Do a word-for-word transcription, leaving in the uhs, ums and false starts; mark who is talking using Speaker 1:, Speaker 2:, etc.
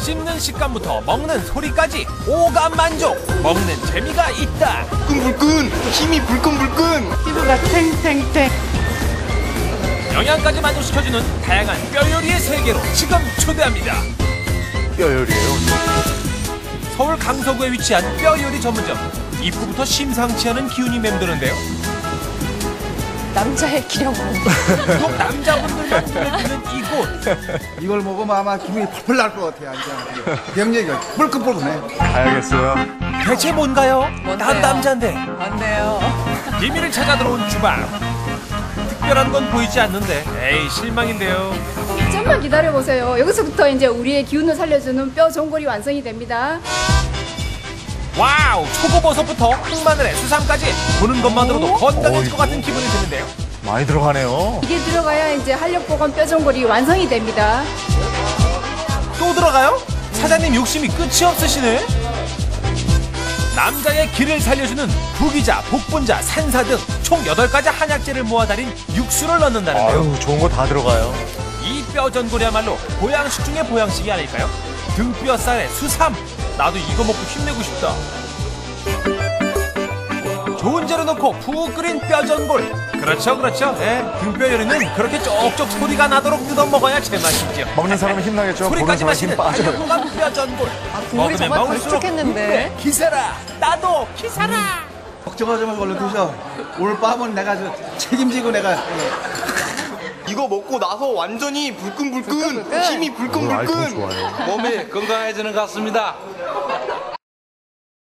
Speaker 1: 씹는 식감부터 먹는 소리까지 오감 만족. 먹는 재미가 있다.
Speaker 2: 불끈불끈, 힘이 불끈불끈.
Speaker 3: 피부가 탱탱탱.
Speaker 1: 영양까지 만족시켜주는 다양한 뼈 요리의 세계로 지금 초대합니다.
Speaker 4: 뼈 요리예요.
Speaker 1: 서울 강서구에 위치한 뼈 요리 전문점. 입구부터 심상치 않은 기운이 맴도는데요.
Speaker 5: 남자의 기력으로.
Speaker 1: 꼭 남자분들만 눈에 띄는 이곳.
Speaker 6: 이걸 먹으면 아마 기분이 펄펄 날 것 같아요. 병력이 불끈불끈해.
Speaker 4: 가야겠어요.
Speaker 1: 대체 뭔가요?
Speaker 5: 뭔데요?
Speaker 1: 난 남자인데.
Speaker 5: 뭔데요?
Speaker 1: 비밀을 찾아 들어온 주방. 특별한 건 보이지 않는데 에이 실망인데요.
Speaker 7: 좀만 기다려보세요. 여기서부터 이제 우리의 기운을 살려주는 뼈 전골이 완성이 됩니다.
Speaker 1: 와우! 초고버섯부터 흑마늘에 수삼까지 보는 것만으로도 건강해질 것 같은 기분이 드는데요.
Speaker 4: 많이 들어가네요.
Speaker 7: 이게 들어가야 이제 한력보건 뼈 전골이 완성이 됩니다.
Speaker 1: 또 들어가요? 사장님 욕심이 끝이 없으시네. 남자의 기를 살려주는 부기자, 복분자, 산사 등 총 여덟 가지 한약재를 모아 달인 육수를 넣는다는데요.
Speaker 4: 아유, 좋은 거 다 들어가요.
Speaker 1: 이 뼈전골이야말로 보양식 중의 보양식이 아닐까요? 등뼈살에 수삼! 나도 이거 먹고 힘내고 싶다. 좋은 재료 넣고 푹 끓인 뼈전골. 그렇죠, 그렇죠. 예, 등뼈 요리는 그렇게 쪽쪽 소리가 나도록 뜯어 먹어야 제맛이죠.
Speaker 4: 먹는 사람은 힘나겠죠. 보는
Speaker 1: 소리까지
Speaker 4: 사람은 힘
Speaker 1: 마시는
Speaker 4: 빠져요.
Speaker 1: 달콤한 뼈전골.
Speaker 5: 국물이 정말 걸쭉했는데.
Speaker 1: 국물에 기세라. 나도 기세라.
Speaker 6: 걱정하지 말고 얼른 드셔. 오늘 밤은 내가 저 책임지고 내가.
Speaker 2: 이거 먹고 나서 완전히 불끈불끈,
Speaker 5: 불끈불끈.
Speaker 2: 힘이
Speaker 4: 오늘 아이템
Speaker 2: 불끈불끈.
Speaker 4: 좋아요.
Speaker 8: 몸이 건강해지는 것 같습니다.